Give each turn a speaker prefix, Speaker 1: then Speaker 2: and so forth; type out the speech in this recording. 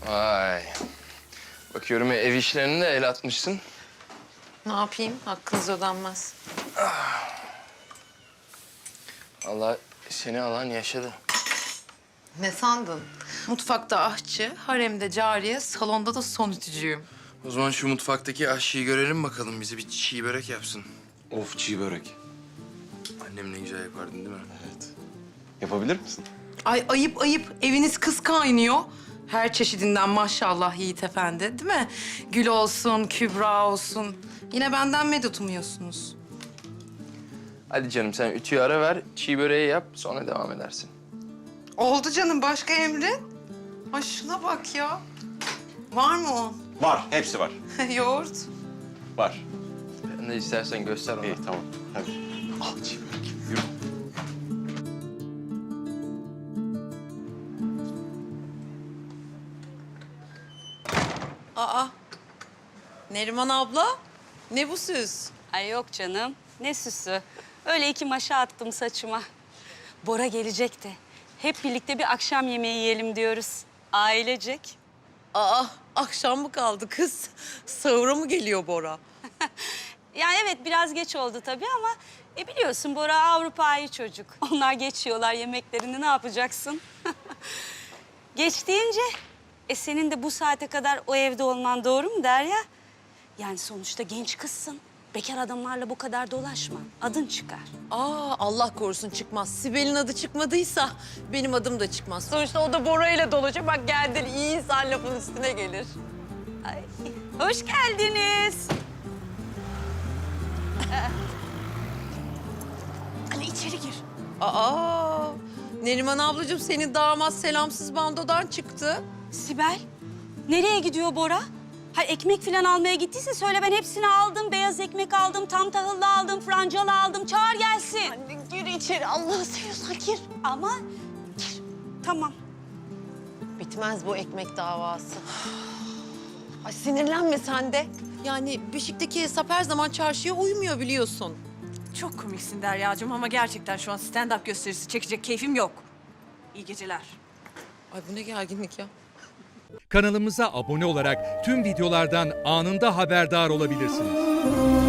Speaker 1: Vay. Bakıyorum ev işlerine de el atmışsın.
Speaker 2: Ne yapayım? Hakkınız ödenmez.
Speaker 1: Allah seni alan yaşadı.
Speaker 2: Ne sandın? Mutfakta aşçı, haremde cariye, salonda da son ütücüyüm.
Speaker 1: O zaman şu mutfaktaki aşçıyı görelim bakalım. Bize bir çiğ börek yapsın.
Speaker 3: Of, çiğ börek.
Speaker 1: Annem ne güzel yapardın değil mi?
Speaker 3: Evet. Yapabilir misin?
Speaker 2: Ay ayıp ayıp. Eviniz kız kaynıyor. Her çeşidinden maşallah Yiğit Efendi, değil mi? Gül olsun, Kübra olsun. Yine benden medet umuyorsunuz.
Speaker 1: Hadi canım sen ütüyü ara ver, çiğ böreği yap sonra devam edersin.
Speaker 2: Oldu canım. Başka emrin? Ay şuna bak ya. Var mı o?
Speaker 3: Var, hepsi var.
Speaker 2: Yoğurt.
Speaker 3: Var.
Speaker 1: Ben de istersen göster ona.
Speaker 3: İyi, tamam. Hadi. Al çiğ börek. Yürü.
Speaker 2: Aa. Neriman abla. Ne bu süs?
Speaker 4: Ay yok canım. Ne süsü. Öyle iki maşa attım saçıma. Bora gelecek de. Hep birlikte bir akşam yemeği yiyelim diyoruz. Ailecek.
Speaker 2: Aa, akşam mı kaldı kız? Sahura mı geliyor Bora?
Speaker 4: Yani evet biraz geç oldu tabii ama biliyorsun Bora Avrupa'yı çocuk. Onlar geçiyorlar yemeklerini ne yapacaksın? Geç deyince senin de bu saate kadar o evde olman doğru mu Derya? Yani sonuçta genç kızsın. Bekar adamlarla bu kadar dolaşma. Adın çıkar.
Speaker 2: Aa, Allah korusun çıkmaz. Sibel'in adı çıkmadıysa benim adım da çıkmaz. Sonuçta o da Bora ile dolaşıyor. Bak geldin, iyi insan lafın üstüne gelir.
Speaker 4: Ay, hoş geldiniz.
Speaker 2: Ali içeri gir. Aa, Neriman ablacığım senin damat selamsız bandodan çıktı.
Speaker 4: Sibel, nereye gidiyor Bora? Ha ekmek falan almaya gittiyse söyle ben hepsini aldım. Beyaz ekmek aldım, tam tahıllı aldım, francalı aldım. Çağır gelsin.
Speaker 2: Anne gir içeri, Allah'ı seviyorsan gir.
Speaker 4: Ama gir. Tamam.
Speaker 2: Bitmez bu ekmek davası. Ay sinirlenme sen de. Yani Beşik'teki hesap her zaman çarşıya uymuyor biliyorsun.
Speaker 5: Çok komiksin Derya'cığım ama gerçekten şu an stand-up gösterisi çekecek keyfim yok. İyi geceler.
Speaker 2: Ay bu ne gerginlik ya.
Speaker 6: Kanalımıza abone olarak tüm videolardan anında haberdar olabilirsiniz.